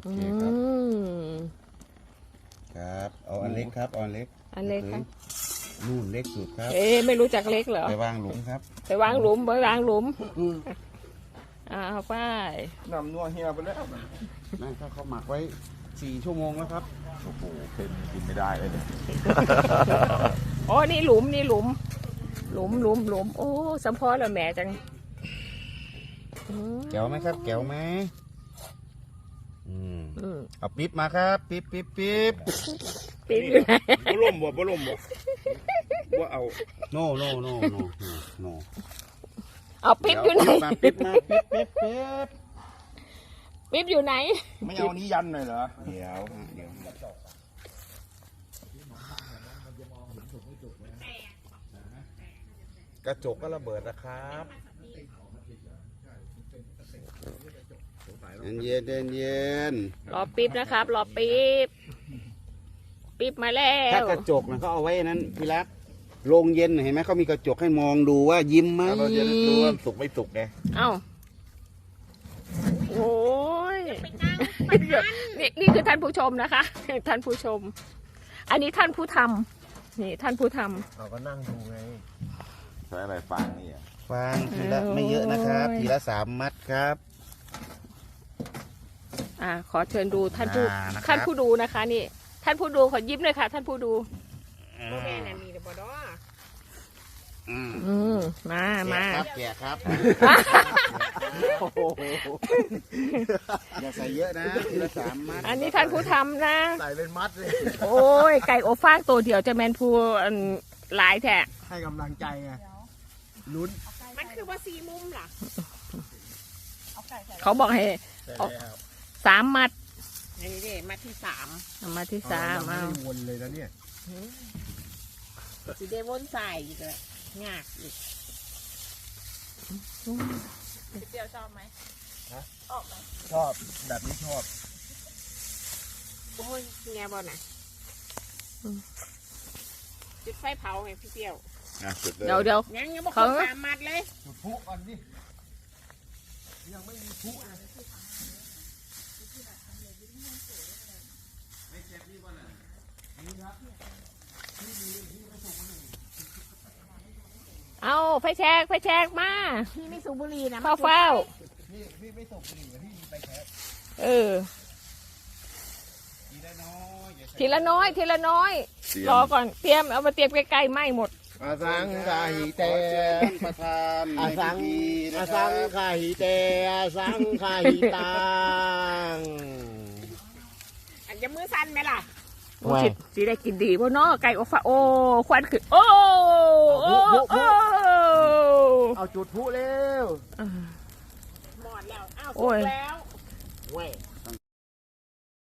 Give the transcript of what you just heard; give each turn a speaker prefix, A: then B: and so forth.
A: โอเคครับครับเอาอันเล็กครับอันเล็กครับนู่นเล็กสุดครับ
B: ไม่รู้จักเล็กเหรอ
A: ไปวางหลุมครับ
B: ไปวางหลุมเอาไป
C: นำนัวเฮียไปแล้ว
A: นั่นเขาหมักไว้4 ชั่วโมงแล้วครับ
C: โอ้โหเค็มกินไม่ได้เลยเนี่ย
B: อ๋อนี่หลุมโอ้สัมพอแล้วแม่จัง
A: แก้วไหมครับแก้วไหมเอาปิ๊บมาครับปิ๊บ
B: อยู่ไหน
C: บ่ล่มบ่ว่าเอา
A: โน่
B: เอาปิ๊บอยู่ไหน
A: ปิ๊บมา
B: ปิ๊บอยู่ไหน
C: ไม่เอานี้ยันหน่อยเหรอ
A: เดี๋ยวกระจกก็ระเบิดนะครับเย็น
B: รอปิ๊บนะครับรอปิ๊บมาแล้ว
A: ถ้ากระจกนะเขาเอาไว้นั้นพี่รักโรงเย็นเห็นไหมเขามีกระจกให้มองดูว่ายิ้มไหม
C: เราจะรู้ว่าสุกไม่สุกไง
B: โอ้ยนี่คือท่านผู้ชมนะคะท่านผู้ชมอันนี้ท่านผู้ทำนี่ท่านผู้ทำ
C: เราก็นั่งดูไงใช้อะไรฟางนี่
A: ฟางทีละไม่เยอะนะครับทีละ3 มัดครับ
B: ขอเชิญดูท่านผู้ดูนะคะนี่ท่านผู้ดูขอยิ้มเลยค่ะท่านผู้ดูแม่น่ะมีแต่บอดมา
A: แกะครับอย่าใส่เยอะนะทีละ3 มัด
B: อันนี้ท่านผู้ทำนะ
C: ใส่เป็นมัดเลย
B: โอ้ยไก่อบฟางตัวเดียวจะแมนผู้หลายแท้
C: ให้กำลังใจไงลุ้น
B: มันคือว่า4 มุมล่ะเขาบอกให้3 มัดนี่มัดที่3มัดที่3
C: เอาวนเลยนะเนี่ย
B: สีเดวนใส่อีกเลยงากอีกเดียวชอบไหมชอบไหม
C: ชอบแบบนี้ชอบ
B: โอ้ยแง่บอลน่ะจุดไฟเผาไงพี่เปี้ยวเดี๋ยวยังบอกเขา3 มัดเลย
C: จุดพุก่อนดิยังไม่มีพุนะ
B: เอาไฟแชกมาพี่ไม่สูบบุหรี่นะเฝ้า
C: พี่ไม่สูบบุหรี่พี่มีไฟแชก
B: ทีละน้อยรอก่อนเตรียมเอามาเตรียมใกล้ๆไหม้หมด
C: อาสังกาหิเต
A: ประธาน
C: อาสังกาหิเตอาสังกาหิตัง
B: อันจะมือสั่นไหมล่ะสีได้กินดีบ่เนาะไก่อบฟ้าโอ้ควันขึ้นโอ้
C: เอาจุดพุเร็ว
B: หมดแล้วอ้าวสุกแล้ว